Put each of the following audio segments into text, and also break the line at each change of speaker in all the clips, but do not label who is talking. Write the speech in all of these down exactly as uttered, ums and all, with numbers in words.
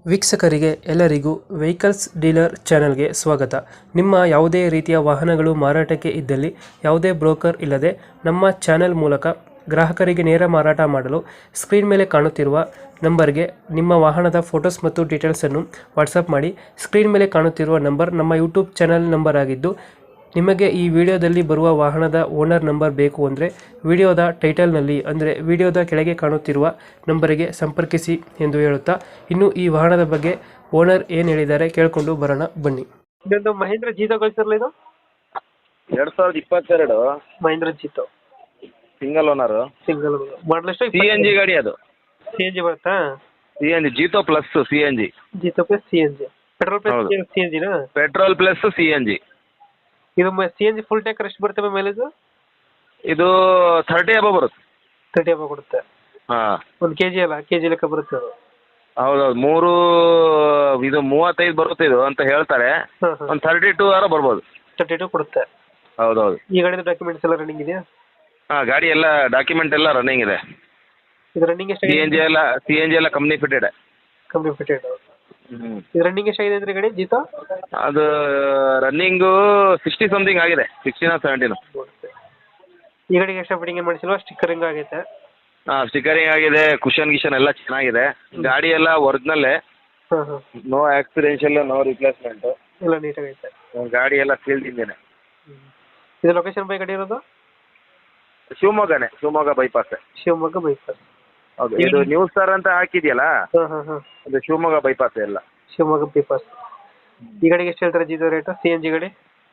ವೀಕ್ಷಕರಿಗೆ ಎಲ್ಲರಿಗೂ vehicles dealer ಚಾನೆಲ್ಗೆ ಸ್ವಾಗತ. ನಿಮ್ಮ ಯಾವುದೇ ರೀತಿಯ ವಾಹನಗಳು ಮಾರಾಟಕ್ಕೆ ಇದ್ದಲ್ಲಿ ಯಾವುದೇ ಬ್ರೋಕರ್ ಇಲ್ಲದೆ ನಮ್ಮ ಚಾನೆಲ್ ಮೂಲಕ ಗ್ರಾಹಕರಿಗೆ ನೇರ ಮಾರಾಟ ಮಾಡಲು ಸ್ಕ್ರೀನ್ ಮೇಲೆ ಕಾಣುತ್ತಿರುವ ನಂಬರ್ಗೆ ನಿಮ್ಮ ವಾಹನದ ಫೋಟೋಸ್ ಮತ್ತು ಡೀಟೇಲ್ಸನ್ನು ವಾಟ್ಸಪ್ ಮಾಡಿ. ಸ್ಕ್ರೀನ್ ಮೇಲೆ ಕಾಣುತ್ತಿರುವ ನಂಬರ್ ನಮ್ಮ ಯೂಟ್ಯೂಬ್ ಚಾನೆಲ್ ನಂಬರ್ ಆಗಿದ್ದು, ನಿಮಗೆ ಈ ವಿಡಿಯೋದಲ್ಲಿ ಬರುವ ವಾಹನದ ಓನರ್ ನಂಬರ್ ಬೇಕು ಅಂದರೆ ವಿಡಿಯೋದ ಟೈಟಲ್ನಲ್ಲಿ ಅಂದರೆ ವಿಡಿಯೋದ ಕೆಳಗೆ ಕಾಣುತ್ತಿರುವ ನಂಬರಿಗೆ ಸಂಪರ್ಕಿಸಿ ಎಂದು ಹೇಳುತ್ತಾ, ಇನ್ನು ಈ ವಾಹನದ ಬಗ್ಗೆ ಓನರ್ ಏನು ಹೇಳಿದ್ದಾರೆ ಕೇಳಿಕೊಂಡು ಬರೋಣ ಬನ್ನಿ. ಇದೊಂದು ಮಹೇಂದ್ರ ಜೀತೋ ಕಳಿಸಿರಲ್ಲ, ಇದು
ಎರಡ್ ಸಾವಿರದ ಇಪ್ಪತ್ತೆರಡು
Mahindra Jeeto
single owner
single model ಎಷ್ಟು?
ಸಿ ಎನ್ ಜಿ ಗಾಡಿ ಅದು.
ಸಿ ಎನ್ ಜಿ ಬರುತ್ತಾ?
C N G Jeeto plus C N G.
Jeeto plus C N G, petrol plus
ಹೌದು.
ಸಿ ಎನ್ ಜಿನಾ?
Petrol plus C N G.
ಇದು C N G full tank ಎಷ್ಟು ಬರ್ತವೆ mileage?
ಇದು thirty ಅಬೋ ಬರುತ್ತೆ.
ತರ್ಟಿ ಅಬ ಕೊಡುತ್ತೆ.
ಹಾ
ಒಂದು ಕೆ ಜಿ ಅಲ್ಲ, ಕೆ ಜಿ ಲೆಕ್ಕ ಬರುತ್ತೆ ಅದು.
ಹೌದೌದು, ಮೂರು ಇದು ಮೂವತ್ತೈದು ಬರುತ್ತೆ ಇದು ಅಂತ ಹೇಳ್ತಾರೆ.
ಹಾಂ ಹಾಂ,
ಒಂದು ಥರ್ಟಿ ಟೂ ಆರ ಬರ್ಬೋದು.
ತರ್ಟಿ ಟು ಕೊಡುತ್ತೆ.
ಹೌದೌದು.
ಈ ಗಾಡಿದ ಡಾಕ್ಯುಮೆಂಟ್ಸ್ ಎಲ್ಲ ರನ್ನಿಂಗ್ ಇದೆಯಾ?
ಹಾ, ಗಾಡಿ ಎಲ್ಲ ಡಾಕ್ಯುಮೆಂಟ್ ಎಲ್ಲ ರನ್ನಿಂಗ್ ಇದೆ.
ಇದು ರನ್ನಿಂಗ್
ಸಿ ಎನ್ ಜಿ
ಎಷ್ಟಾಗಿದೆ?
ಎಲ್ಲ ಸಿ ಎನ್ ಜಿ ಎಲ್ಲ company fitted.
Company fitted.
Hmm
ಇದು ರನ್ನಿಂಗ್ ಎಷ್ಟಾಗಿದೆ ಅಂದ್ರೆ ಗಾಡಿ ಜೀತೋ?
ಅದು ರನ್ನಿಂಗು ಸಿಕ್ಸ್ಟಿ ಸಮಥಿಂಗ್ ಆಗಿದೆ, ಸಿಕ್ಸ್ಟಿನ ಸೆವೆಂಟಿನ.
ಈ ಗಾಡಿಗೆ ಎಕ್ಸ್ಟ್ರಾ ಫಿಟ್ಟಿಂಗ್ ಏನು ಮಾಡಿಸಿಲ್ವಾ? ಸ್ಟಿಕ್ಕರಿಂಗ್ ಆಗೈತೆ?
ಹಾಂ, ಸ್ಟಿಕರಿಂಗ್ ಆಗಿದೆ, ಕುಷನ್ ಗಿಷನ್ ಎಲ್ಲ ಚೆನ್ನಾಗಿದೆ. ಗಾಡಿ ಎಲ್ಲ ಒರಿಜಿನಲ್ಲೇ,
ಹಾಂ ಹಾಂ,
ನೋ ಆಕ್ಸಿಡೆನ್ಷಿಯಲ್, ನೋ ರಿಪ್ಲೇಸ್ಮೆಂಟು.
ಎಲ್ಲ ನೀಟಾಗೈತೆ.
ಗಾಡಿ ಎಲ್ಲ ಸೀಲ್ಡ್ ಇಂಜಿನ್.
ಇದು ಲೊಕೇಶನ್ ಬೈ ಗಾಡಿ ಇರೋದು?
ಶಿವಮೊಗ್ಗನೇ, ಶಿವಮೊಗ್ಗ ಬೈಪಾಸ್.
ಶಿವಮೊಗ್ಗ ಬೈಪಾಸ್.
ಹೌದು, ಇದು ನ್ಯೂಸ್ ಸ್ಟಾರ್ ಅಂತ ಹಾಕಿದೆಯಲ್ಲ,
ಹಾಂ ಹಾಂ ಹಾಂ,
ಅದು ಶಿವಮೊಗ್ಗ ಬೈಪಾಸ್ ಎಲ್ಲ.
ಶಿವಮೊಗ್ಗ ಬೈಪಾಸ್. ಈ ಗಾಡಿಗೆ ಎಷ್ಟು ಹೇಳ್ತಾರೆ Jeeto rate? C N G ಗಾಡಿ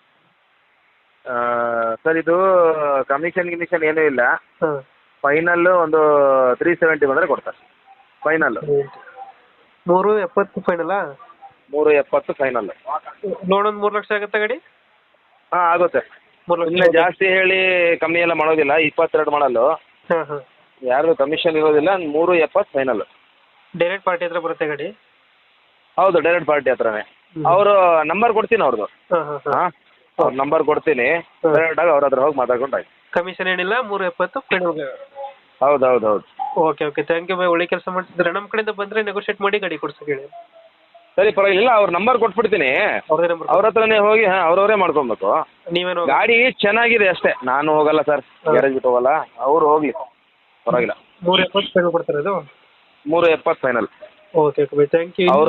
ಸರ್, ಇದು ಕಮಿಷನ್ ಗಿಮಿಷನ್ ಏನೂ ಇಲ್ಲ.
ಹಾಂ,
ಫೈನಲ್ ಒಂದು ತ್ರೀ ಸೆವೆಂಟಿ ಬಂದರೆ ಕೊಡ್ತಾರೆ ಫೈನಲ್.
ಮೂರು ಎಪ್ಪತ್ತು ಫೈನಲ್ಲಾ?
ಮೂರು ಎಪ್ಪತ್ತು ಫೈನಲ್.
ಲೋನ್ ಒಂದು ಮೂರು ಲಕ್ಷ ಆಗುತ್ತಾ ಗಾಡಿ?
ಹಾಂ, ಆಗುತ್ತೆ.
ಮೂರು ಲಕ್ಷ.
ಇನ್ನು ಜಾಸ್ತಿ ಹೇಳಿ ಕಮ್ಮಿ ಎಲ್ಲ ಮಾಡೋದಿಲ್ಲ. ಇಪ್ಪತ್ತೆರಡು ಮಾಡಲು,
ಹಾಂ ಹಾಂ,
ಯಾರು ಕಮಿಷನ್ ಇರೋದಿಲ್ಲ. ಮೂರು ಎಪ್ಪತ್ತು ಫೈನಲ್.
ಡೈರೆಕ್ಟ್ ಪಾರ್ಟಿ ಹತ್ರ ಬರುತ್ತೆ ಗಾಡಿ?
ಹೌದು, ಡೈರೆಕ್ಟ್ ಪಾರ್ಟಿ ಹತ್ರನೇ. ಅವರು ನಂಬರ್ ಕೊಡ್ತೀನಿ ಅವ್ರದ್ದು.
ಹಾಂ ಹಾಂ ಹಾಂ,
ಹಾಂ, ಅವ್ರ ನಂಬರ್ ಕೊಡ್ತೀನಿ. ಡೈರೆಕ್ಟಾಗಿ ಅವ್ರ ಹತ್ರ ಹೋಗಿ ಮಾತಾಡ್ಕೊಂಡು ಆಯ್ತು.
ಕಮಿಷನ್ ಏನಿಲ್ಲ, ಮೂರು ಎಪ್ಪತ್ತು ಫೈನಲ್.
ಹೌದು ಹೌದು ಹೌದು.
Okay okay, thank you bye. ಒಳ್ಳೆ ಕೆಲಸ ಮಾಡ್ತಿದ್ರೆ ನಮ್ಮ ಕಡೆಯಿಂದ ಬಂದರೆ ನೆಗೋಷಿಯೇಟ್ ಮಾಡಿ ಗಾಡಿ ಕೊಡ್ಸಕ್ಕೆ ಹೇಳಿ.
ಸರಿ, ಪರವಾಗಿಲ್ಲ. ಅವ್ರ ನಂಬರ್ ಕೊಟ್ಬಿಡ್ತೀನಿ.
ಅವ್ರದೇ ನಂಬರ್
ಅವ್ರ ಹತ್ರನೇ ಹೋಗಿ, ಹಾಂ, ಅವ್ರವರೇ ಮಾಡ್ಕೊಬೇಕು.
ನೀವೇನು
ಗಾಡಿ ಚೆನ್ನಾಗಿದೆ ಅಷ್ಟೇ. ನಾನು ಹೋಗಲ್ಲ ಸರ್, ಗ್ಯಾರೇಜ್ ಬಿಟ್ಟು ಹೋಗಲ್ಲ. ಅವ್ರು ಹೋಗ್ಲಿ, ಪರವಾಗಿಲ್ಲ.
ಮೂರು ಎಪ್ಪತ್ತು ಫೈನಲ್ ಕೊಡ್ತಾರೆ ಅದು?
ಮೂರು ಎಪ್ಪತ್ತು final.
Okay okay bye, thank you.
ಅವರು